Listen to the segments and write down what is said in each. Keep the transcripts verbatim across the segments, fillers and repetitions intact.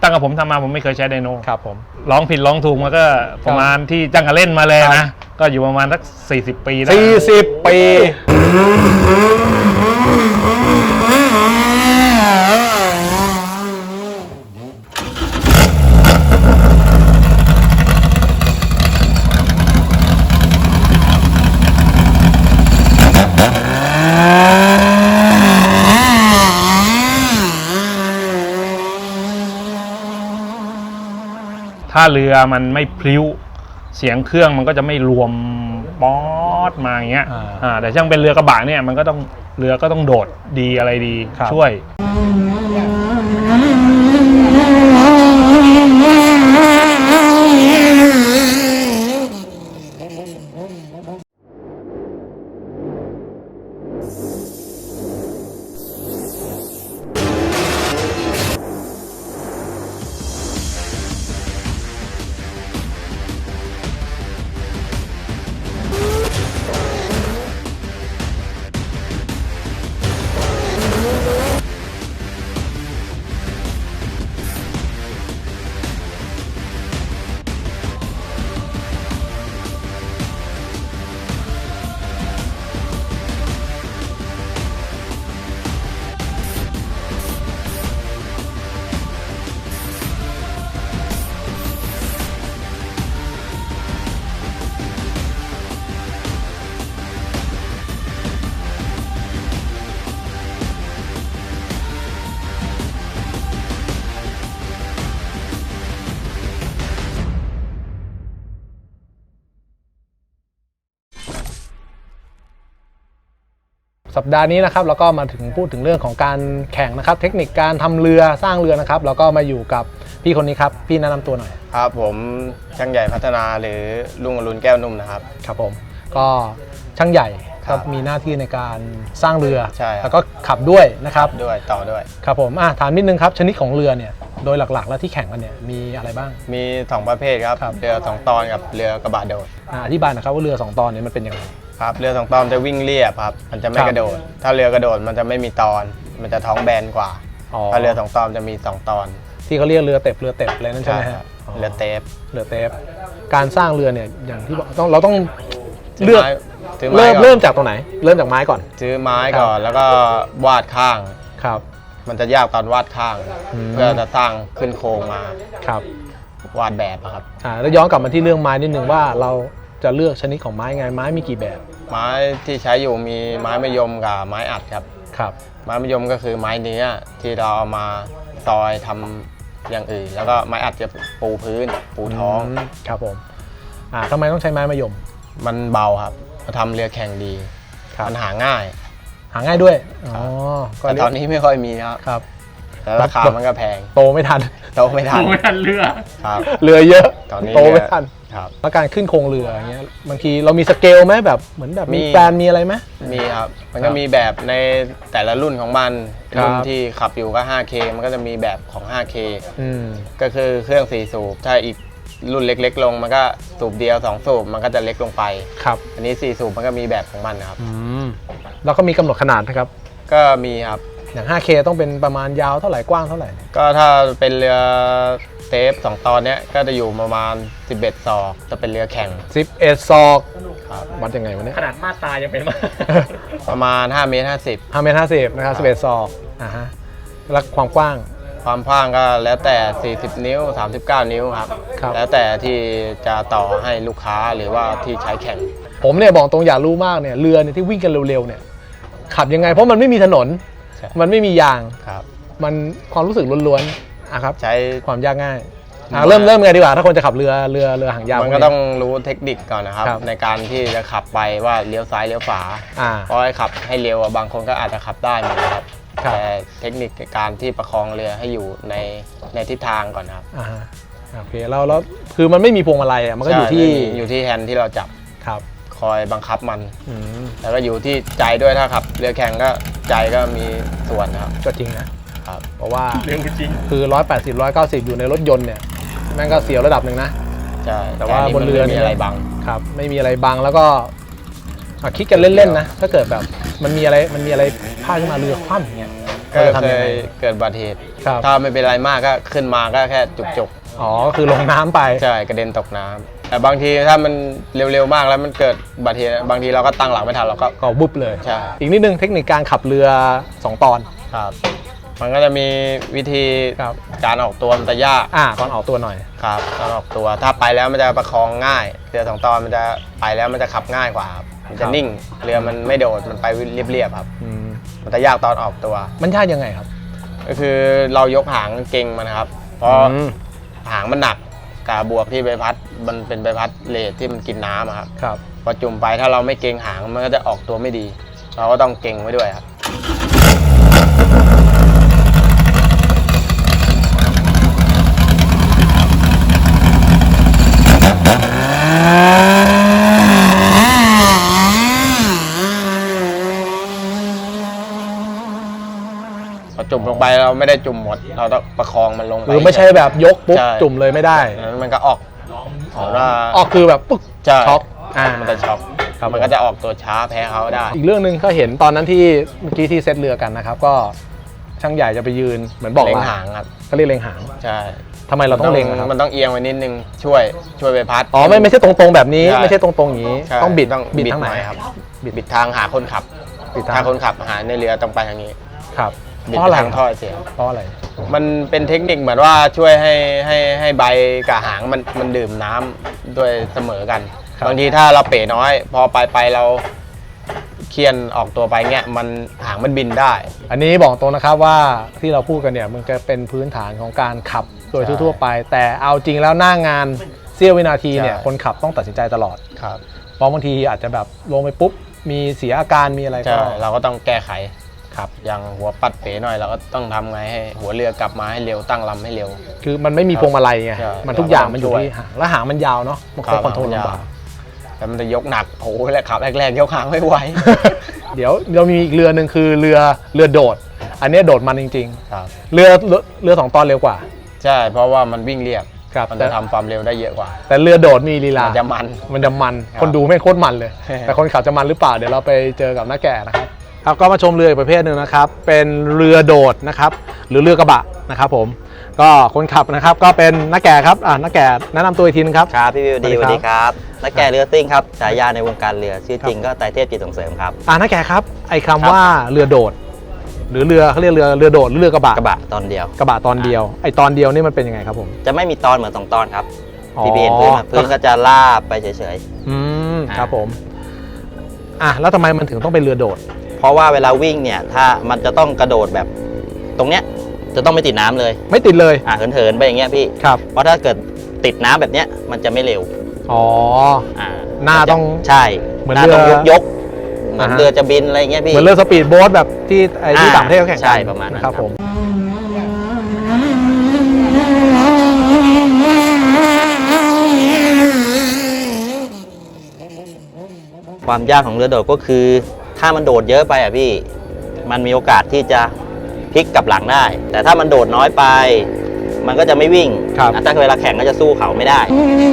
ตั้งแต่ผมทำมาผมไม่เคยใช้ไดโนครับผมร้องผิดร้องถูกมาก็ประมาณที่จ้างกันเล่นมาเลยนะก็อยู่ประมาณสักสี่สิบปีได้สี่สิบปีถ้าเรือมันไม่พลิ้วเสียงเครื่องมันก็จะไม่รวมป๊อดมาอย่างเงี้ยอ่าแต่ช่างเป็นเรือกระบะเนี่ยมันก็ต้องเรือก็ต้องโดดดีอะไรดีช่วยสัปดาห์นี้นะครับเราก็มาถึงพูดถึงเรื่องของการแข่งนะครับเทคนิคการทำเรือสร้างเรือนะครับแล้วก็มาอยู่กับพี่คนนี้ครับพี่แนะนำตัวหน่อยครับผมช่างใหญ่พัฒนาหรือลุงอรุณแก้วนุ่มนะครับครับผมก็ช่างใหญ่ครับมีหน้าที่ในการสร้างเรือใช่แล้วก็ขับด้วยนะครับด้วยต่อด้วยครับผมอ่ะถามนิดนึงครับชนิดของเรือเนี่ยโดยหลักๆแล้วที่แข่งกันเนี่ยมีอะไรบ้างมีสองประเภทครับเรือสองตอนกับเรือกระบะโดดอธิบายนะครับว่าเรือสองตอนนี้มันเป็นยังไงครับเรือสองตอนจะวิ่งเรียบครับมันจะไม่กระโดดถ้าเรือกระโดดมันจะไม่มีตอนมันจะท้องแบนกว่าถ้าเรือสองตอนจะมีสองตอนที่เขาเรียกเรือเต็บเรือเต็บอะไรนั่นใช่ไหมครับเรือเต็บเรือเต็บการสร้างเรือเนี่ยอย่างที่บอกต้องเราต้องเลือกเริ่มเริ่มจากตรงไหนเริ่มจากไม้ก่อนซื้อไม้ก่อนแล้วก็วาดข้างครับมันจะยากตอนวาดข้างเพื่อจะสร้างขึ้นโครงมาครับวาดแบบครับอ่าแล้วย้อนกลับมาที่เรื่องไม้นิดนึงว่าเราจะเลือกชนิดของไม้ไงไม้มีกี่แบบไม้ที่ใช้อยู่มีไม้มะยมกับไม้อัดครับครับไม้มะยมก็คือไม้เนื้อที่เราเอามาซอยทำอย่างอื่นแล้วก็ไม้อัดจะปูพื้นปูท้องครับผมอ่าทำไมต้องใช้ไม้มะยมมันเบาครับมาทำเรือแข่งดีมันหาง่ายหาง่ายด้วยอ๋อแต่ตอนนี้ไม่ค่อยมีครับครับแล้วราคามันก็แพงโตไม่ทันโตไม่ทันโตไม่ทันเรือครับเรือเยอะตอนนี้โตไม่ทันครับแล้วการขึ้นโครงเรืออย่างเงี้ยบางทีเรามีสเกลไหมแบบเหมือนแบบมีแปลนมีอะไรไหมมีครับมันก็มีแบบในแต่ละรุ่นของมันรุ่นที่ขับอยู่ก็ ห้าเค มันก็จะมีแบบของ ห้าเคอืมก็คือเครื่องสี่สูบถ้าอีกรุ่นเล็กๆลงมันก็สูบเดียวสองสูบมันก็จะเล็กลงไปครับอันนี้สี่สูบมันก็มีแบบของมันครับอืมแล้วก็มีกำหนดขนาดนะครับก็มีครับอย่าง ห้าเค ต้องเป็นประมาณยาวเท่าไหร่กว้างเท่าไหร่ก็ถ้าเป็นเรือเทปสองตอนเนี้ยก็จะอยู่ประมาณสิบเอ็ดศอกจะเป็นเรือแข่งสิบเอ็ดศอกครับวัดยังไงวะเนี่ยขนาดมาตรายังเป็นมาประมาณห้าเมตรห้าสิบห้าเมตรห้าสิบนะครับสิบเอ็ดศอกอ่าฮะแล้วความกว้างความกว้างก็แล้วแต่สี่สิบนิ้วสามสิบเก้านิ้วครับแล้วแต่ที่จะต่อให้ลูกค้าหรือว่าที่ใช้แข่งผมเนี่ยบอกตรงอยากรู้มากเนี่ยเรือเนี่ยที่วิ่งกันเร็วๆเนี่ยขับยังไงเพราะมันไม่มีถนนมันไม่มียางครับมันความรู้สึกล้วนๆอ่ะครับใช้ความยากง่ายอ่าเริ่มเริ่มไงดีกว่าถ้าคนจะขับเรือเรือเรือหางยาวมันก็ต้องรู้เทคนิคก่อนนะครับในการที่จะขับไปว่าเลี้ยวซ้ายเลี้ยวขวาเพราะให้ขับให้เร็วบางคนก็อาจจะขับได้เหมือนกันครับแต่เทคนิคการที่ประคองเรือให้อยู่ในในทิศทางก่อนครับอ่าโอเคแล้วแล้วคือมันไม่มีพวงมาลัยอ่ะมันก็อยู่ที่อยู่ที่แฮนด์ที่เราจับครับคอยบังคับมันแล้วก็อยู่ที่ใจด้วยถ้าขับเรือแข่งก็ใจก็มีส่วนครับก็จริงนะครับเพราะว่าเรื่องจริงคือร้อยแปดสิบ ร้อยเก้าสิบอยู่ในรถยนต์เนี่ยแม่งก็เสียวระดับหนึ่งนะใช่แต่ว่าบนเรือไม่มีอะไรบังครับไม่มีอะไรบังแล้วก็คิดกันเล่นๆนะถ้าเกิดแบบมันมีอะไรมันมีอะไรพลาดขึ้นมาเรือคว่ำอย่างเงี้ยก็จะทำเคยังไงยเกิดอุบัติเหตุครับถ้าไม่เป็นไรมากก็ขึ้นมาก็แค่จุกอ๋อคือลงน้ำไปๆใช่กระเด็นตกน้ำแต่บางทีถ้ามันเร็วๆมากแล้วมันเกิดอุบัติเหตุบางทีเราก็ตั้งหลักไม่ทันเราก็ก็บุบเลยใช่อีกนิดนึงเทคนิคการขับเรือสองตอนครับมันก็จะมีวิธีครับการออกตัวมันจะยากอ่าตอนออกตัวหน่อยครับการออกตัวถ้าไปแล้วมันจะประคองง่ายเรือสองตอนมันจะไปแล้วมันจะขับง่ายกว่าครับมันจะนิ่งเรือมันไม่โดดมันไปเรียบๆครับอืมมันจะยากตอนออกตัวมันยากยังไงครับก็คือเรายกหางเก่งมันนะครับ เพราะอืมหางมันหนักกาบวกที่ใบพัดมันเป็นใบพัดเลทที่มันกินน้ำอะครับครับพอจุ่มไปถ้าเราไม่เก่งหางมันก็จะออกตัวไม่ดี เราก็ต้องเก่งไว้ด้วยครับ พอจุ่มลงไปเราไม่ได้จุ่มหมด เราต้องประคองมันลงไปหรือไม่ใช่แบบยกปุ๊บใช่จุ่มเลยไม่ได้นั้นมันก็ออกออกว่าออกคือแบบปึ๊กใช่ช็อกอ่ามันจะช็อกครับมันก็จะออกตัวช้าแพ้เขาได้อีกเรื่องหนึ่งก็เห็นตอนนั้นที่เมื่อกี้ที่เซตเรือกันนะครับ ก็ช่างใหญ่จะไปยืนเหมือนบอกเล็งว่าหางครับก็เรียกเล็งหางใช่ทำไมเราต้องเล็งอะครับมันต้องเอียงไว้นิดนึงช่วยช่วยใบพัดอ๋อไม่ไม่ใช่ตรงๆแบบนี้ใช่ไม่ใช่ตรงๆอย่างนี้ใช่ต้องบิดต้องบิดบิดทางไหนหน่อยครับบิดบิดทางหาคนขับบิดทางถ้าคนขับหาในเรือต้องไปทางนี้ครับบิดเพราะอะไรทางท่อเสียงเพราะอะไรมันเป็นเทคนิคเหมือนว่าช่วยให้ให้ให้ใบกับหางมันมันดื่มน้ำด้วยเสมอกันครับบางทีถ้าเราเป๋น้อย พอไปไปเราเคียนออกตัวไปเงี้ยมันหางมันบินได้อันนี้บอกตรงนะครับว่าที่เราพูดกันเนี่ยมันจะเป็นพื้นฐานของการขับโดยใช่ทั่วๆไป แต่เอาจริงแล้วหน้างานเสี้ยววินาทีเนี่ยใช่คนขับต้องตัดสินใจตลอดครับเพราะบางทีอาจจะแบบลงไปปุ๊บมีเสียอาการมีอะไรก็ใช่เราก็ต้องแก้ไขครับอย่างหัวปัดเป๋หน่อยเราก็ต้องทำไงให้หัวเรือกลับมาให้เร็วตั้งลำให้เร็วคือมันไม่มีพวงมาลัยไงใช่มันทุกอย่างมันอยู่เราก็ต้องที่หางและหางมันยาวเนาะมันก็คอนโทรลลำบากแต่มันจะยกหนักโอ้โหแรกขับแรกๆยกหางไม่ไหวเดี๋ยวเรามีอีกเรือหนึ่งคือเรือเรือโดด อันนี้โดดมันจริงครับๆ เรือเรือเรือสองตอนเร็วกว่าใช่เพราะว่ามันวิ่งเรียบครับมันแต่จะทำความเร็วได้เยอะกว่าแต่เรือโดดมีลีลามันจะมันมันจะมันครับคนดูไม่งโคตรมันเลย แต่คนขับจะมันหรือเปล่าเดี๋ยวเราไปเจอกับน้าแก่นะครับครับก็มาชมเรืออีกประเภทหนึ่งนะครับเป็นเรือโดดนะครับหรือเรือกระบะนะครับผมก็คนขับนะครับก็เป็นน้าแก่ครับอ่าน้าแก่แนะนำตัวอีกทีนึงครับครับพี่วิวดีสสวัวัสสดีดีคครัรับ บนักแก่เรือซิ่งครับฉายาในวงการเรือชื่อจริงก็ไตรเทพจิตส่งเสริมครับอ่าน้าแก่ครับไอ้คำว่าเรือโดด หรือเรือเขาเรียกเรือเรือโดดหรือเรือกระบะกระบะตอนเดียวกระบะตอนเดียวไอ้ตอนเดียวนี่มันเป็นยังไงครับผมจะไม่มีตอนเหมือนสองตอนครับอ๋อพี่เห็นพื้นอะพื้นก็จะลาบไปเฉยอืมอ่าครับผมอ่ะแล้วทำไมมันถึงต้องเป็นเรือโดดๆ เพราะว่าเวลาวิ่งเนี่ยถ้ามันจะต้องกระโดดแบบตรงเนี้ยจะต้องไม่ติดน้ำเลยไม่ติดเลยอ่ะเหินๆไปอย่างเงี้ยพี่ครับเพราะถ้าเกิดติดน้ำแบบเนี้ยมันจะไม่เร็วอ๋ออ่าหน้าต้องใช่เหมือนหน้าต้องเรืยอกยกๆเหมือนอ่าฮะเรือจะบินอะไรเงี้ยพี่เหมือนเรือสปีดโบ๊ทแบบที่ไอ้ที่อ่าต่างประเทศเขาแข่งกันใช่ประมาณนั้นนะครับครับผมความยากของเรือโดดก็คือ ถ้ามันโดดเยอะไปอ่ะพี่ มันมีโอกาสที่จะพลิกกลับหลังได้ แต่ถ้ามันโดดน้อยไป มันก็จะไม่วิ่งครับอ่ะถ้าเวลาแข่งก็จะสู้เขาไม่ได้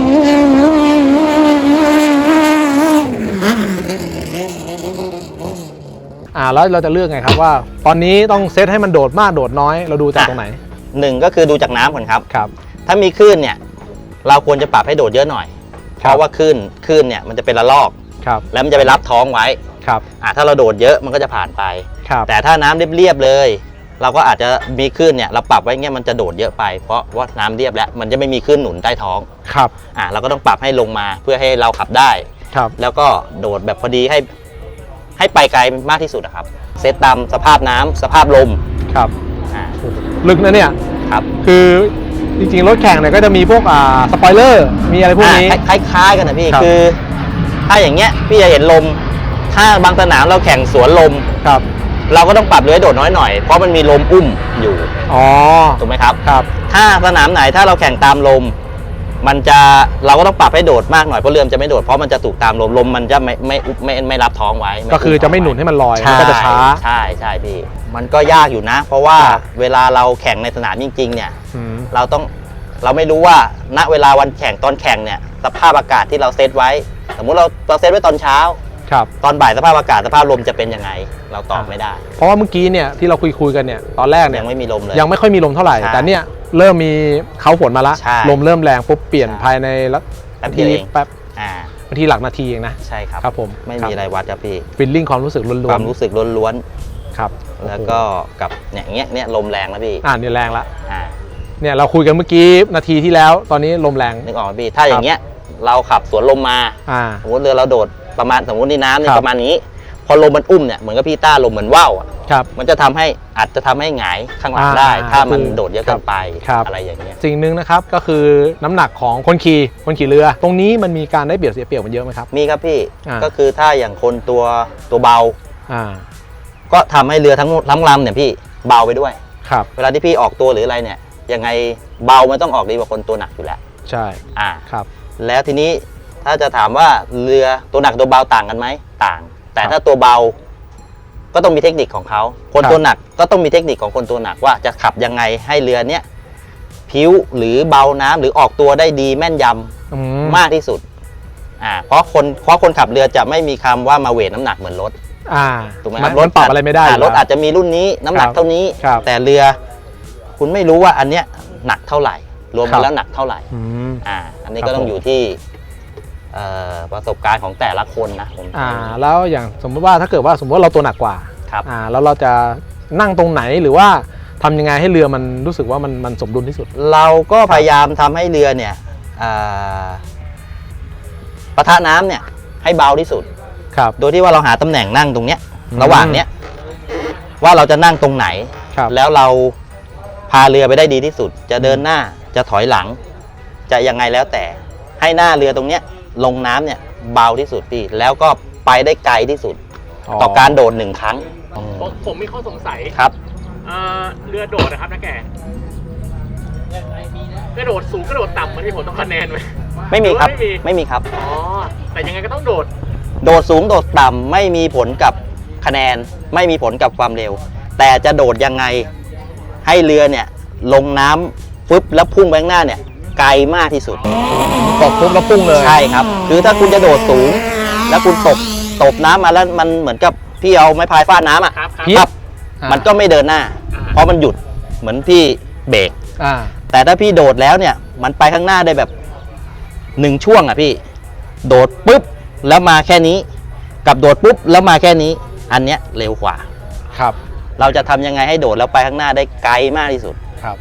อ่าแล้วเราจะเลือกไงครับว่า ตอนนี้ต้องเซตให้มันโดดมากโดดน้อยเราดูจากอ่ะตรงไหนหนึ่งก็คือดูจากน้ำก่อนครับครับถ้ามีคลื่นเนี่ย เราควรจะปรับให้โดดเยอะหน่อย เพครับราะว่าคลื่นคลื่นเนี่ยมันจะเป็นระลอกครับแล้วมันจะไปรับท้องไว้ครับอ่ะถ้าเราโดดเยอะมันก็จะผ่านไปครับแต่ถ้าน้ำเรียบๆเลย เราก็อาจจะมีคลื่นเนี่ยเราปรับไว้เงี้ยมันจะโดดเยอะไปเพราะว่าน้ำเรียบแล้วมันจะไม่มีคลื่นหนุนใต้ท้องครับอ่ะเราก็ต้องปรับให้ลงมาเพื่อให้เราขับได้ครับแล้วก็โดดแบบพอดีให้ให้ไปไกลมากที่สุดอะครับ เซตตามสภาพน้ำสภาพลมครับอ่าลึกนะเนี่ยครับคือจริงๆรถแข่งเนี่ยก็จะมีพวกอ่าสปอยเลอร์มีอะไรพวกนี้อ่าคล้ายๆกันนะพี่ครับคือ ถ้าอย่างเงี้ยพี่จะเห็นลม ถ้าบางสนามเราแข่งสวนลมครับเราก็ต้องปรับเรือให้โดดน้อยหน่อยเพราะมันมีลมอุ้มอยู่อ๋อถูกไหมครับครับถ้าสนามไหนถ้าเราแข่งตามลม มันจะเราก็ต้องปรับให้โดดมากหน่อยเพราะเรือมันจะไม่โดดเพราะมันจะถูกตามลมลมมันจะไม่ไม่ไม่ไม่ไม่รับท้องไว้ก็คือจะไม่หนุนให้มันลอยมันก็จะช้าใช่ใช่พี่ มันก็ยากอยู่นะ เพราะว่าครับเวลาเราแข่งในสนามจริงๆเนี่ยอืมเราต้องเราไม่รู้ว่าณเวลาวันแข่งตอนแข่งเนี่ยสภาพอากาศที่เราเซตไว้ สมมุติเราเราเซตไว้ตอนเช้าครับตอนบ่ายสภาพอากาศสภาพลมจะเป็นยังไง เราตอบไม่ได้เพราะว่าเมื่อกี้เนี่ยที่เราคุยคุยกันเนี่ยตอนแรกเนี่ยยังไม่มีลมเลยยังไม่ค่อยมีลมเท่าไหร่ใช่แต่เนี่ยเริ่มมีเขาฝนมาละใช่ลมเริ่มแรงปุ๊บเปลี่ยนใช่ภายในละแป๊บนาเดีทียวเองแป๊บอ่านาทีหลักนาทีเองนะใช่ครับครับผมไม่มีอะไรวัดครับพี่ฟีลลิ่งความรู้สึกล้วนๆความรู้สึกล้วนครับๆแล้วก็กับเนี่ยเงี้ยเนี่ยลมแรงนะพี่อ่าเนี่ยแรงละอ่าเนี่ยเราคุยกันเมื่อกี้นาทีที่แล้วตอนนี้ลมแรงนึกออกไหมพี่ถ้าอย่างเงี้ยเราขับสวนลมมาอ่าสมมติเรือเราโดดประมาณสมมตินี่น้ำเนี่คยรับประมาณนี้ พอลมมันอุ้มเนี่ยเหมือนกับพี่ต้าลมเหมือนว่าวอ่ะครับมันจะทำให้อาจจะทำให้หงายข้างหลังอ่าได้ ถ้ามันคือโดดเยอะเกินไปครับอะไรอย่างเงี้ยสิ่งหนึ่งนะครับก็คือน้ำหนักของคนขี่คนขี่เรือ ตรงนี้มันมีการได้เปรียบเสียเปรียบมันเยอะไหมครับมีครับพี่อ่าก็คือถ้าอย่างคนตัวตัวเบาอ่าก็ทำให้เรือทั้งทั้งลำเนี่ยพี่เบาไปด้วยครับเวลาที่พี่ออกตัวหรืออะไรเนี่ยยังไงเบามันต้องออกดีกว่าคนตัวหนักอยู่แล้วใช่อ่าครับแล้วทีนี้ถ้าจะถามว่าเรือตัวหนักตัวเบาต่างกันไหมต่าง แต่ถ้าตัวเบาก็ต้องมีเทคนิคของเขาคนครับตัวหนักก็ต้องมีเทคนิคของคนตัวหนักว่าจะขับยังไงให้เรือเนี้ยพิ้วหรือเบาน้ำหรือออกตัวได้ดีแม่นยำอืมากที่สุดอ่าเพราะคนเพราะคนขับเรือจะไม่มีคำว่ามาเวทน้ำหนักเหมือนรถอ่าถูกไหมคมัรันบรถปรับอะไรไม่ได้อยู่รถแล้วอาจจะมีรุ่นนี้น้ำหนักครับเท่านี้ครับแต่เรือคุณไม่รู้ว่าอันเนี้ยหนักเท่าไหร่ รวมครักันบแล้วหนักเท่าไหร่อืมอ่าอันนี้ครับก็ต้องผมอยู่ที่เอ่อประสบการณ์ของแต่ละคนนะผมอ่าแล้วอย่างสมมติว่าถ้าเกิดว่าสมมติว่าเราตัวหนักกว่าครับอ่าแล้วเราจะนั่งตรงไหนหรือว่าทำยังไงให้เรือมันรู้สึกว่ามันมันสมดุลที่สุดเราก็พยายามทำให้เรือเนี่ยอ่าปะทะน้ำเนี่ยให้เบาที่สุดครับโดยที่ว่าเราหาตำแหน่งนั่งตรงเนี้ยอืมระหว่างเนี้ยว่าเราจะนั่งตรงไหนครับแล้วเราพาเรือไปได้ดีที่สุด จะเดินหน้าจะถอยหลัง จะยังไงแล้วแต่ให้หน้าเรือตรงเนี้ยลงน้ำเนี่ยเบาที่สุดพี่แล้วก็ไปได้ไกลที่สุด ต่อการโดดหนึ่งครั้งผมผมมีข้อสงสัยครับเอ่อเรือโดดนะครับนะแกกระโดดสูงกระโดดต่ำมันมีผลต่อคะแนนไหมไม่มีครับหอว่าไม่มีไม่มีครับอ๋อแต่ยังไงก็ต้องโดดโดดสูงโดดต่ำไม่มีผลกับคะแนน ไม่มีผลกับความเร็ว แต่จะโดดยังไงให้เรือเนี่ยลงน้ำฟึบแล้วพุ่งไปข้างหน้าเนี่ยไกลมากที่สุดตกปุ๊บแล้วพุ่งเลยใช่ครับ คือถ้าคุณจะโดดสูง แล้วคุณตกตบน้ำมาแล้วมันเหมือนกับพี่เอาไม้พายฟาดน้ำอ่ะครับครับเพียบมันก็ไม่เดินหน้าอ่าเพราะมันหยุดเหมือนพี่เบรกอ่าแต่ถ้าพี่โดดแล้วเนี่ยมันไปข้างหน้าได้แบบหนึ่งช่วงอ่ะพี่ โดดปุ๊บแล้วมาแค่นี้ กับโดดปุ๊บแล้วมาแค่นี้ อันเนี้ยเร็วกว่าครับเราจะทำยังไงให้โดดแล้วไปข้างหน้าได้ไกลมากที่สุดครับ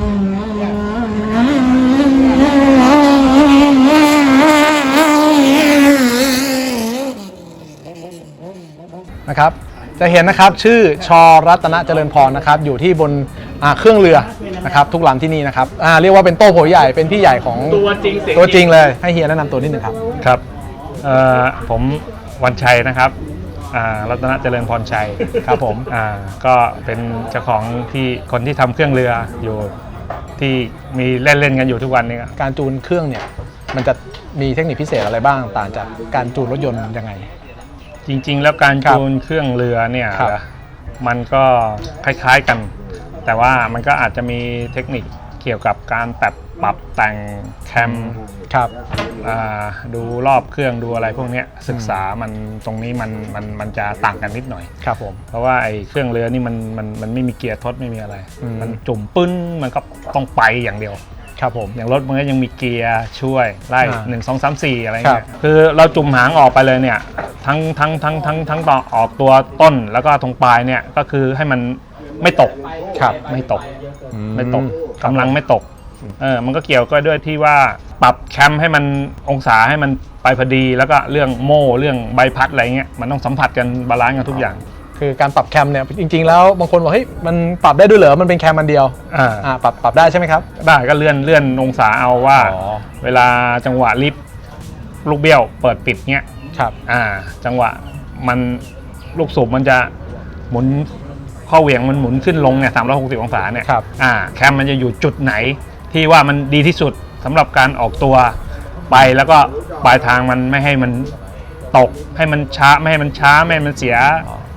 นะครับจะเห็นนะครับชื่อชอรัตนเจริญพรนะครับอยู่ที่บนอ่าเครื่องเรือนะครับทุกลำที่นี่นะครับอ่าเรียกว่าเป็นโต้โผใหญ่เป็นพี่ใหญ่ของตัวจริงเสียงตัวจริงเลยให้เฮียแนะนำตัวนิดหนึ่งครับครับเอ่อผมวันชัยนะครับอ่ารัตนเจริญพรชัยครับผมอ่าก็เป็นเจ้าของที่คนที่ทำเครื่องเรืออยู่ที่มีเล่นเล่นๆกันอยู่ทุกวันนี้ครับการจูนเครื่องเนี่ยมันจะมีเทคนิคพิเศษอะไรบ้างต่างจากการจูนรถยนต์ยังไงจริงๆ แล้วการครับจูนเครื่องเรือเนี่ยครับมันก็คล้ายๆกัน แต่ว่ามันก็อาจจะมีเทคนิคเกี่ยวกับการปรับปรับแต่งแคมครับอ่าดูรอบเครื่องดูอะไรพวกเนี้ยศึกษามันตรงนี้มันมันมันจะต่างกันนิดหน่อยครับผมเพราะว่าไอ้เครื่องเรือนี่มันมันมันไม่มีเกียร์ทดไม่มีอะไรอืมมันจุ่มปึ้นมันก็ต้องไปอย่างเดียวครับผมอย่างรถมันก็ยังมีเกียร์ช่วยไล่อ่าหนึ่งสองสามสี่อะไรครัเงี้บยคือเราจุ่มหางออกไปเลยเนี่ยทั้งทั้งทั้งทั้งทั้งต่อออกตัวต้นแล้วก็ตรงปลายเนี่ยก็คือให้มันไม่ตกครับไม่ตกอืไม่ตกกำลังไม่ตกเออมันก็เกี่ยวก็ด้วยที่ว่าปรับแคมให้มันองศาให้มันไปพอดีแล้วก็เรื่องโม่เรื่องใบพัดอะไรเงี้ยมันต้องสัมผัสกันบาลานซ์กันทุกอย่างคือการปรับแคมเนี่ยจริงๆแล้วบางคนบอกเฮ้ยมันปรับได้ด้วยเหรอมันเป็นแคมมันเดียวอ่าอ่าปรับปรับได้ใช่ไหมครับได้ก็เลื่อนเลื่อนองศาเอาว่าอ๋อเวลาจังหวะลิฟต์ลูกเบี้ยวเปิดปิดเงี้ยครับอ่าจังหวะมันลูกสูบมันจะหมุนข้อเหวี่ยงมันหมุนขึ้นลงเนี่ยสามร้อยหกสิบองศาเนี่ยครับอ่าแคมมันจะอยู่จุดไหนที่ว่ามันดีที่สุดสำหรับการออกตัวไปแล้วก็ปลายทางมันไม่ให้มันตกให้มันช้าไม่ให้มันช้าไม่ให้มันเสีย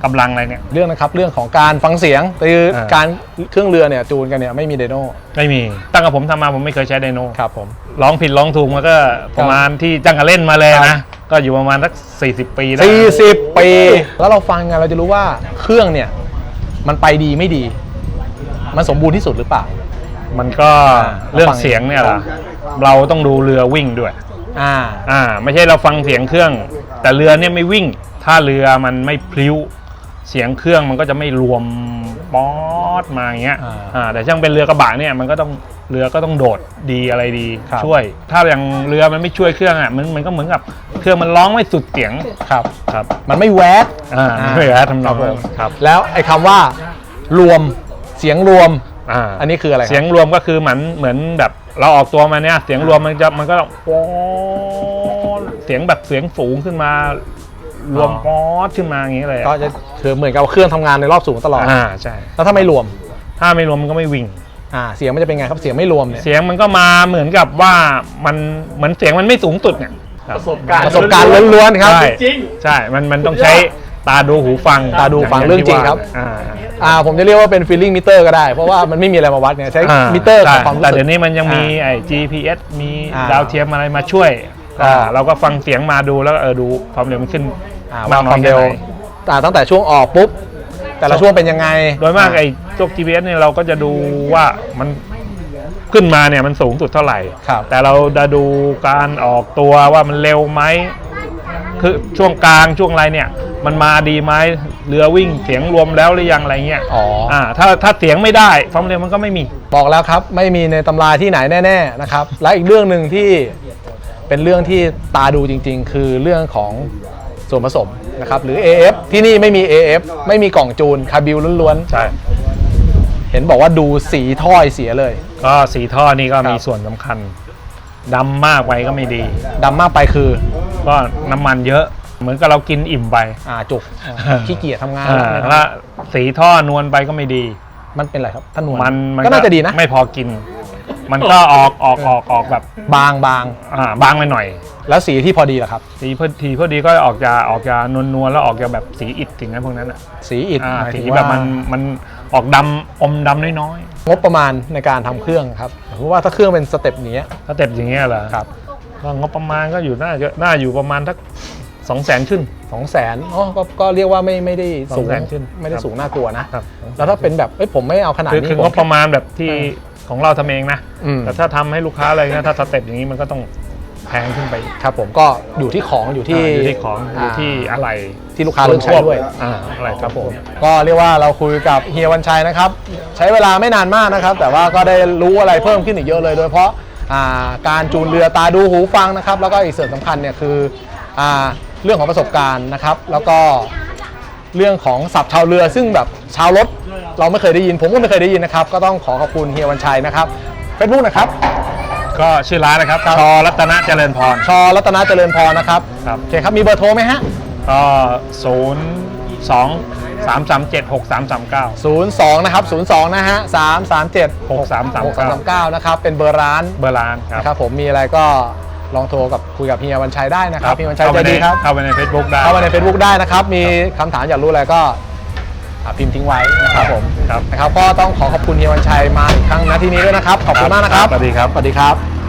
กำลังอะไรเนี่ยเรื่องนะครับเรื่องของการฟังเสียงคืออ่าการเครื่องเรือเนี่ยจูนกันเนี่ยไม่มีไดโน่ไม่มีตั้งแต่ผมทำมาผมไม่เคยใช้ไดโนครับผมร้องผิดร้องถูกมันก็ประมาณที่จังกะเล่นมาเลยครันะบก็อยู่ประมาณสักสี่สิบปีได้สี่สิบปีแล้วเราฟังกันเราจะรู้ว่าเครื่องเนี่ยมันไปดีไม่ดี มันสมบูรณ์ที่สุดหรือเปล่ามันก็อ่าเรื่องเสียงเนี่ยล่ะเราต้องดูเรือวิ่งด้วยอ่าอ่าไม่ใช่เราฟังเสียงเครื่อง แต่เรือเนี่ยไม่วิ่ง ถ้าเรือมันไม่พลิ้วเสียงเครื่องมันก็จะไม่รวมป๊อดมาอย่างเงี้ยอ่าอ่าแต่ช่างเป็นเรือกระบะเนี่ยมันก็ต้องเรือก็ต้องโดดดีอะไรดีครับช่วย ถ้าอย่างเรือมันไม่ช่วยเครื่องอ่ะมันมันก็เหมือนกับเครื่องมันร้องไม่สุดเสียงครับครับมันไม่แวดอ่าไม่แวะทำนองครันั้บนผมครับแล้วไอ้คำว่ารวมเสียงรวมอ่าอันนี้คืออะไรครับเสียงรวมก็คือเหมือนเหมือนแบบเราออกตัวมาเนี่ยเสียงรวมมันจะมันก็ป๊อดเสียงแบบเสียงสูงขึ้นมารวมป๊อดขึ้นมาอย่างนี้เลยอะก็จะคือเหมือนกับเครื่องทำงานในรอบสูงตลอดอ่าใช่แล้วถ้าไม่รวมถ้าไม่รวมมันก็ไม่วิ่งอ่าเสียงมันจะเป็นไงครับเสียงไม่รวมเนี่ยเสียงมันก็มาเหมือนกับว่ามันเหมือนเสียงมันไม่สูงสุดเนี่ยประสบการณ์ประสบการณ์ล้วนๆครับใช่ใช่มันมันต้องใช้ตาดูหูฟังตาดูฟังย่าเรื่องจริงที่ว่าครับอ่าอ่าผมจะเรียกว่าเป็น feeling meter ก็ได้ เพราะว่ามันไม่มีอะไรมาวัดเนี่ยใช้อ่ามิเตอร์ใช่ของความรู้แต่สึกเดี๋ยวนี้มันยังมีไอ้ จี พี เอส มีอ่าดาวเทียมอะไรมาช่วยอ่าอ่าเราก็ฟังเสียงมาดูแล้วเออดูความเร็วมันขึ้นอ่าากมามคน้อวาย มเร็วแค่ไหนอ่าตั้งแต่ช่วงออกปุ๊บแต่ละช่วงเป็นยังไงโดยมากไอ้พวก จี พี เอส เนี่ยเราก็จะดูว่ามันขึ้นมาเนี่ยมันสูงสุดเท่าไหร่ครับแต่เราจะดูการออกตัวว่ามันเร็วไหมคือช่วงกลางช่วงอะไรเนี่ย มันมาดีไหมเรือวิ่งเสียงรวมแล้วหรือยังอะไรเงี้ยอ๋ออ่อ่าถ้าถ้าเสียงไม่ได้ความเร็วมันก็ไม่มีบอกแล้วครับไม่มีในตำราที่ไหนแน่ๆนะครับและอีกเรื่องหนึ่งที่เป็นเรื่องที่ตาดูจริงๆ คือเรื่องของส่วนผสมนะครับหรือ เอ เอฟ ที่นี่ไม่มี เอ เอฟ ไม่มีกล่องจูนคาร์บิวล้วนใช่ๆเห็นบอกว่าดูสีถ้อยเสียเลยก็สีท่อนี่ก็มีครับส่วนสำคัญดำมากไปก็ไม่ดีดำมากไปคือก็น้ำมันเยอะเหมือนกับเรากินอิ่มไปอ่าจุกอ่าขี้เกียจทำงานอ่านะครับถ้าสีท่อนวลไปก็ไม่ดีมันเป็นอะไรครับท่านนวลมันมันก็น่าจะดีนะไม่พอกิน มันก็ออกออกออกออกแบบบางบางอ่าบางไปหน่อยแล้วสีที่พอดีเหรอครับสีพอดีพอดีก็ออกจะออกจะนวลนวลๆแล้วออกจะแบบสีอิฐสิ่งนั้นพวกนั้นอ่ะสีอิฐอ่าหมายสีถึงแบว่าบมันมันออกดำอมดำน้อยงบประมาณในการทำเครื่องครับเพราะว่าถ้าเครื่องเป็นสเต็ปนี้ๆถ้าเต็มอย่างเงี้ยเหรอครับก็งบประมาณก็อยู่น่าจะน่าอยู่ประมาณสักสองแสนขึ้นสองแสนอ๋อก็ก็เรียกว่าไม่ไม่ได้สูงสองแสนขึ้นไม่ได้ครับสูงน่ากลัวนะครับแล้วถ้าเป็นแบบเอ้ยผมไม่เอาขนาดคือนี้คือผงมบประมาณแบบที่ของเราทำเองนะอืมแต่ถ้าทำให้ลูกค้าอะไรนะถ้าสเต็ปอย่างนี้มันก็ต้องแพงขึ้นไปครับผมก็อยู่ที่ของอยู่ที่อ่าอยู่ที่ของอยู่ที่อะไรที่ลูกค้าเลือกใช้ด้วยอ่าอะไรครับผมก็เรียกว่าเราคุยกับเฮียวันชัยนะครับ ใช้เวลาไม่นานมากนะครับ แต่ว่าก็ได้รู้อะไรเพิ่มขึ้นอีกเยอะเลย โดยเฉพาะอ่าการจูนเรือตาดูหูฟังนะครับ แล้วก็อีกส่วนสำคัญเนี่ยคืออ่าเรื่องของประสบการณ์นะครับ แล้วก็เรื่องของศัพท์ชาวเรือ ซึ่งแบบชาวรถเราไม่เคยได้ยิน ผมก็ไม่เคยได้ยินนะครับ ก็ต้องขอขอบคุณเฮียวันชัยนะครับเฟซบุ๊กนะครับก็ชื่อร้านนะครับชอรัตนะเจริญพรชอรัตนาเจริญพรนะครับครับโอเคครับมีเบอร์โทรไหมฮะก็ศูนย์สองสามสามเจ็ดหกสามสามเก้าศูนย์ สองนะครับศูนย์ สองนะฮะสาม สาม เจ็ดหกสามสามหกเก้าสามเก้านะครับเป็นเบอร์ร้านเบอร์ร้านครับนะครับผมมีอะไรก็ลองโทรกับคุยกับเฮียวันชัยได้นะครับเฮียวันชัยเข้าใจไปในดีครับเข้าไปใน Facebook ได้เข้ามาใน Facebook ได้นะครับ มีคำถามอยากรู้อะไรก็อ่าพิมพ์ทิ้งไว้นะครับผมครับนะครับก็ต้องขอขอบคุณเฮียวันชัยมาอีกครั้งนะที่นี้ด้วยนะครับขอบคุณมากนะครับสวัสดีครับสวัสดีครับ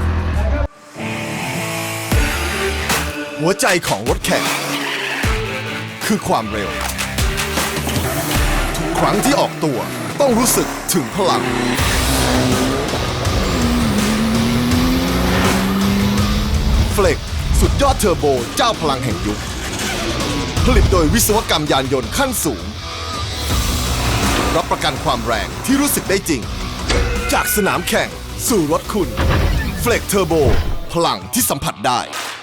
หัวใจของรถแข่งคือความเร็ว ทุกครั้งที่ออกตัวต้องรู้สึกถึงพลัง เฟล็กสุดยอดเทอร์โบเจ้าพลังแห่งยุค ผลิตโดยวิศวกรรมยานยนต์ขั้นสูง รับประกันความแรงที่รู้สึกได้จริง จากสนามแข่งสู่รถคุณ เฟล็กเทอร์โบพลังที่สัมผัสได้